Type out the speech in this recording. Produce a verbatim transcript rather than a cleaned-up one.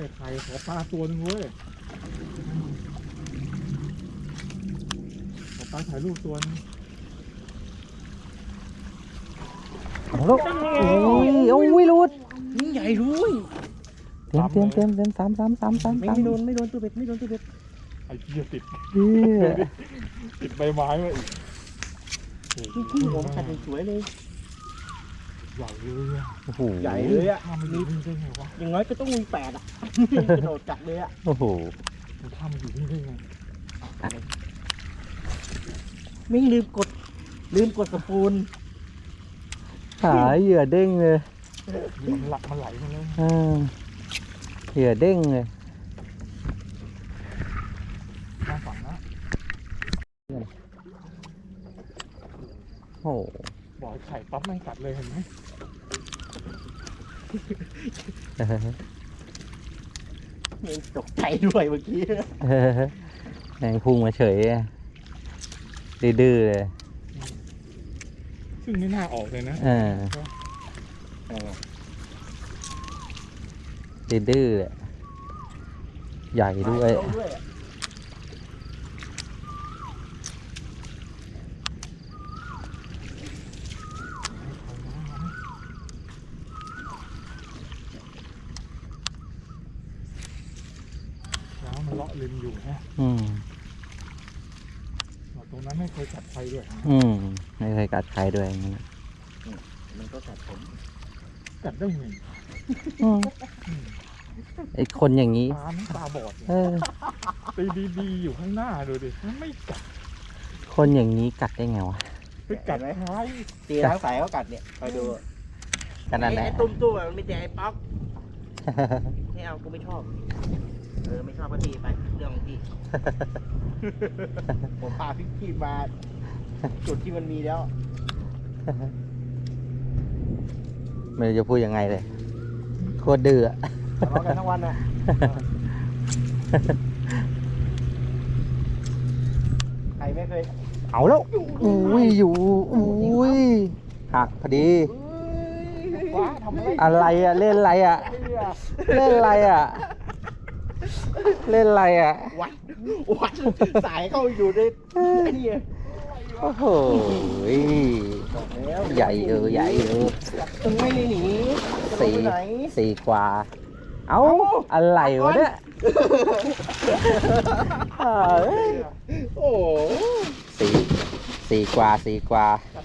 ใครขอปลาตัวนึงเว้ยขอปลาถ่ายรูปตัวนึงเอาลูกโอ้ยโอ้ยรูดนี่ใหญ่รู้ยเต็มเต็มเต็มเต็มสามสามสามสามไม่สามไม่โดนไม่โดนตัวเบ็ดไม่โดนตัวเบ็ดไอ้เหี้ยติดเหี้ยติดใบไม้มาอีกที่ที่ผมขัดสวยเลยใหญ่เลยอะโอ้โหใหญ่เลยอ่ะถ้ามันอยู่นี่ได้ไงวะอย่างน้อยก็ต้องมีแปดอ่ะกระโดดกัดเลยอ่ะโอ้โหมันถ้ามันอยู่นี่ได้ไงไม่ลืมกดลืมกดสปูนหาเหยื่อเด้งเลยมันหลักมันไหลมาเลยอ่าเหยื่อเด้งเลยน่าฝังนะโอ้โหบอกให้ไข่ปั๊บไม่กัดเลยเห็นไหมตกใจด้วยเมื่อกี้แมงพุ่งมาเฉยอะดื้อๆเลยซึ่งไม่น่าออกเลยนะเออดื้อๆเลยใหญ่ด้วยแล้วมันเลาะริมอยู่นะอืมตรงนั้นไม่เคยกัดใครด้วยอืมไม่เคยกัดใครด้วยอย่างนั้นมันก็กัดผมกัดได้ไงอืมไอคนอย่างนี้ตาไม่ตาบอดเออตีดีๆอยู่ข้างหน้าดูดิมันไม่กัดคนอย่างนี้กัดได้ไงวะไปกัดท้ายตีล้างสายเขากัดเนี่ยคอยดูกันนั่นแหละไอ้ตุ้มตุ้มมันไม่แต่ไอ้ป๊อกไม่เอากูไม่ชอบเออไม่ชอบก็ตีไปเรื่องของพี่ ผมพาพี่พี่มาจุดที่มันมีแล้วไม่รู้จะพูดยังไงเลยโคตรดื้ออะทะเลาะกันทั้งวันน่ะใครไม่เคยเอาแล้วอุ้ยอยู่อุ้ยหักพอดีว้าทำอะไรอะไรอ่ะเล่นอะไรอ่ะเล่นอะไรอ่ะเล่นอะไรอ่ะวัดวัดสายเข้าอยู่ในไอ้นี่โอ้โหบอกแล้วใหญ่เออใหญ่เออมึงไม่ได้หนีจะลงสี่ไปไหนสี่กว่า เอ้าอะไรวะเนี่ยเอ้ยโอ้สี่สี่กว่าสี่กว่าไป